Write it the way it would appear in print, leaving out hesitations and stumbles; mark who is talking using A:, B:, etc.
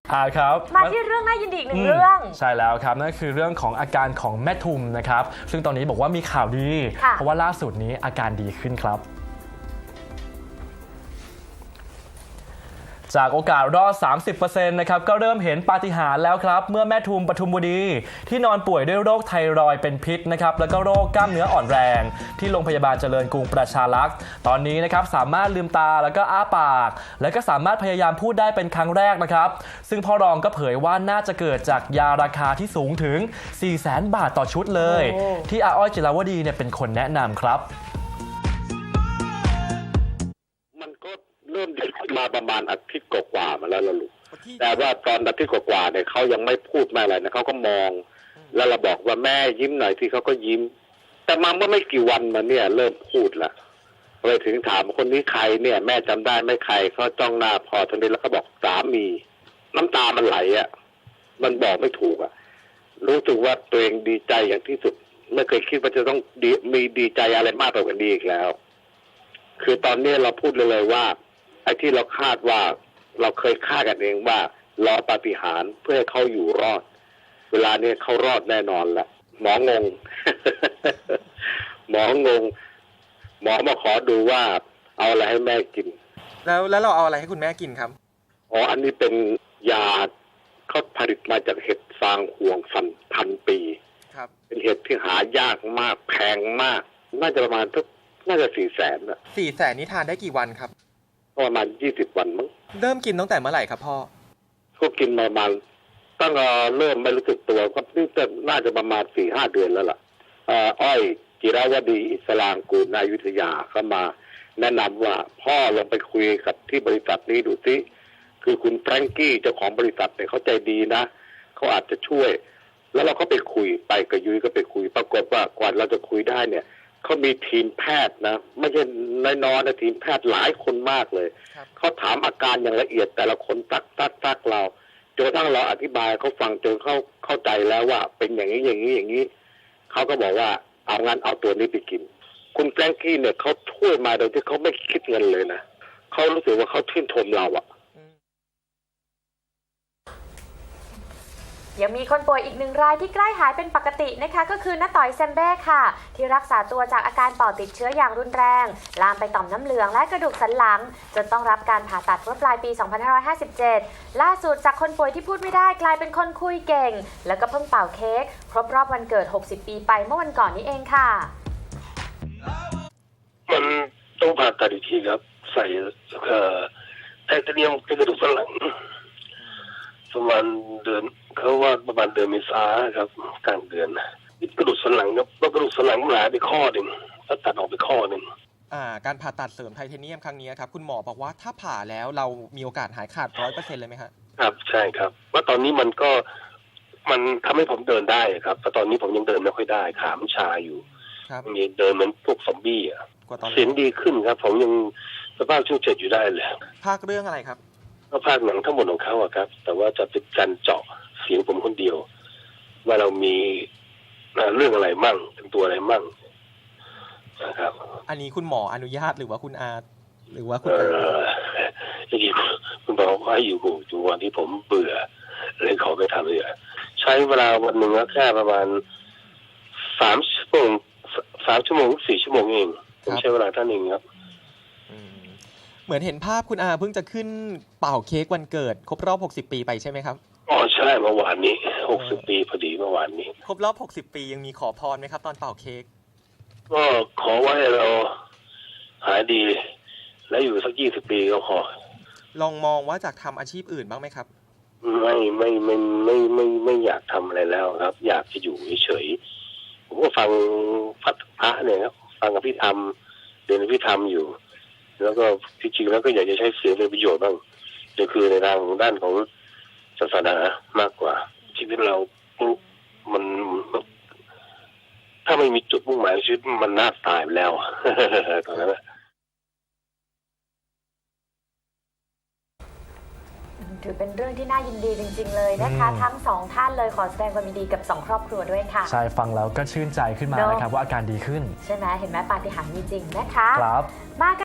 A: ครับ
B: มาที่เรื่องน่ายินดีอีกหนึ่งเรื่อง
A: ใช่แล้วครับนั่นคือเรื่องของอาการของแม่ทุมนะครับซึ่งตอนนี้บอกว่ามีข่าวดีเพราะว่าล่าสุดนี้อาการดีขึ้นครับจากโอกาสรอด 30% นะครับก็เริ่มเห็นปาฏิหาริย์แล้วครับเมื่อแม่ทุมปทุมวดีที่นอนป่วยด้วยโรคไทรอยด์เป็นพิษนะครับแล้วก็โรคกล้ามเนื้ออ่อนแรงที่โรงพยาบาลเจริญกรุงประชารักษ์ตอนนี้นะครับสามารถลืมตาแล้วก็อ้าปากแล้วก็สามารถพยายามพูดได้เป็นครั้งแรกนะครับซึ่งพ่อรองก็เผยว่าน่าจะเกิดจากยาราคาที่สูงถึง 400,000 บาทต่อชุดเลยที่อาอ้อยจิราวดีเนี่ยเป็นคนแนะนำครับ
C: เริ่มดีขึ้นมาประมาณอาทิตย์กว่าๆมาแล้วล่ะลูกแต่ว่าตอนอาทิตย์กว่าๆเนี่ยเขายังไม่พูดไม่อะไรนะเขาก็มองแล้วเราบอกว่าแม่ยิ้มหน่อยที่เขาก็ยิ้มแต่มาเมื่อไม่กี่วันมาเนี่ยเริ่มพูดละไปถึงถามคนนี้ใครเนี่ยแม่จำได้ไม่ใครเขาจ้องหน้าพอทันทีแล้วก็บอกสามีน้ำตามันไหลอ่ะมันบอกไม่ถูกอ่ะรู้สึกว่าตัวเองดีใจอย่างที่สุดไม่เคยคิดว่าจะต้องมีดีใจอะไรมากกว่านี้อีกแล้วคือตอนนี้เราพูดเลยว่าไอ้ที่เราคาดว่าเราเคยคาดกันเองว่ารอปาฏิหาริย์เพื่อให้เขาอยู่รอดเวลานี้เขารอดแน่นอนละหมองง หมองงหมอมาขอดูว่าเอาอะไรให้แม่กิน
D: แล้วเราเอาอะไรให้คุณแม่กินครับ
C: อ๋ออันนี้เป็นยาเขาผลิตมาจากเห็ดฟางห่วงพันปี
D: ครับ
C: เป็นเห็ดที่หายากมากแพงมากน่าจะประมาณน่าจะ400,000 นะ
D: 400,000นี่ทานได้กี่วันครับ
C: ประมาณ20 วันมั้ง
D: เริ่มกินตั้งแต่เมื่อไหร่ครับพ่อ
C: ก็กินประมาณตั้งเริ่มไม่รู้สึกตัวก็นี่น่าจะประมาณ 4-5 เดือนแล้วล่ะอ้อยจิราวดีอิสลางกูลนายุทธยาเข้ามาแนะนำว่าพ่อลองไปคุยกับที่บริษัทนี้ดูสิคือคุณแฟรงกี้เจ้าของบริษัทเนี่ยเขาใจดีนะเขาอาจจะช่วยแล้วเราก็ไปคุยไปกับยุ้ยก็ไปคุยปรากฏว่ากว่าเราจะคุยได้เนี่ยเขามีทีมแพทย์นะไม่ใช่น้อยๆนะทีมแพทย์หลายคนมากเลยเขาถามอาการอย่างละเอียดแต่ละคนตักเราจนกระทั่งเราอธิบายเขาฟังจนเขาเข้าใจแล้วว่าเป็นอย่างนี้อย่างนี้เขาก็บอกว่าเอางั้นเอาตัวนี้ไปกินคุณแฟรงกี้เนี่ยเขาช่วยมาโดยที่เขาไม่คิดเงินเลยนะเขารู้สึกว่าเขาชื่นชมเราอะ
B: ยังมีคนป่วยอีกหนึ่งรายที่ใกล้หายเป็นปกตินะคะก็คือน้าต่อยแซมเบ้ค่ะที่รักษาตัวจากอาการปอดติดเชื้ออย่างรุนแรงลามไปต่อมน้ำเหลืองและกระดูกสันหลังจนต้องรับการผ่าตัดเมื่อปลายปี 2557 ล่าสุดจากคนป่วยที่พูดไม่ได้กลายเป็นคนคุยเก่งแล้วก็เพิ่งเป่าเค้กครบรอบวันเกิด60 ปีไปเมื่อวันก่อนนี้เองค่ะ
E: มันต้องผ่าตัดอีกทีครับใส่ไทเทเนียมในกระดูกสันหลังประมาณเดือนเขาว่าประมาณเดือนเมษาครับกลางเดือนกระดูกสันหลังครับแล้วกระดูกสันหลังหายไปข้อหนึ่งแล้วตัดออกไปข้อหนึ่ง
D: การผ่าตัดเสริมไทเทเนียมครั้งนี้ครับคุณหมอบอกว่าถ้าผ่าแล้วเรามีโอกาสหายขาด 100% เลยไหมครับ
E: ครับใช่ครับว่าตอนนี้มันทำให้ผมเดินได้ครับแต่ตอนนี้ผมยังเดินไม่ค่อยได้ขามันชาอยู่มีเดินเหมือนพวกซอมบี้อ่ะเสียงดีขึ้นครับผมยังสภาพช่วงเจ็ดอยู่ได้เลย
D: ภาคเรื่องอะไรครับ
E: ก็ภาคหนังทั้งหมดของเขาอะครับแต่ว่าจะเป็นการเจาะเสียงผมคนเดียวว่าเรามีเรื่องอะไรมั่งเป็นตัวอะไรมั่งนะครับ
D: อันนี้คุณหมออนุญาตหรือว่าคุณอาหรือว่าคุณ
E: จริงๆคุณหมอเขาให้อยู่วันที่ผมเบื่อเลยขอไปทำเลยใช้เวลาวันหนึ่งแค่ประมาณ3 ชั่วโมง4 ชั่วโมงเองผมใช้เวลาท่านเองครับ
D: เหมือนเห็นภาพคุณอาเพิ่งจะขึ้นเป่าเค้กวันเกิดครบรอบ60 ปีไปใช่ไหมครับ
E: อ๋อใช่เมื่อวานนี้60 ปีพอดีเมื่อวานนี้
D: ครบรอบ60 ปียังมีขอพรไหมครับตอนเป่าเค้ก
E: ก็ขอไว้เราหายดีและอยู่สัก20 ปีก็พอ
D: ลองมองว่าจากทำอาชีพอื่นบ้างไหมครับ
E: ไม่อยากทำอะไรแล้วครับอยากจะอยู่เฉยๆผมก็ฟังพระเนี่ยครับฟังอภิธรรมเรียนอภิธรรมอยู่แล้วก็จริงๆแล้วก็อยากจะใช้เสียงเป็นประโยชน์บ้างก็คือในทางด้านของศาสนามากกว่าชีวิตเรามันถ้าไม่มีจุดมุ่งหมายชีวิตมันน่าตายไปแล้วตอนนั้น
B: ถือเป็นเรื่องที่น่ายินดีจริงๆเลยนะคะทั้ง2ท่านเลยขอแสดงความยินดีกับ2ครอบครัวด้วยค่ะ
A: ใช่ฟังแล้วก็ชื่นใจขึ้นมานะครับว่าอาการดีขึ้น
B: ใช่ไหมเห็นไหมปาฏิหาริย์มีจริงนะคะ
A: ครับ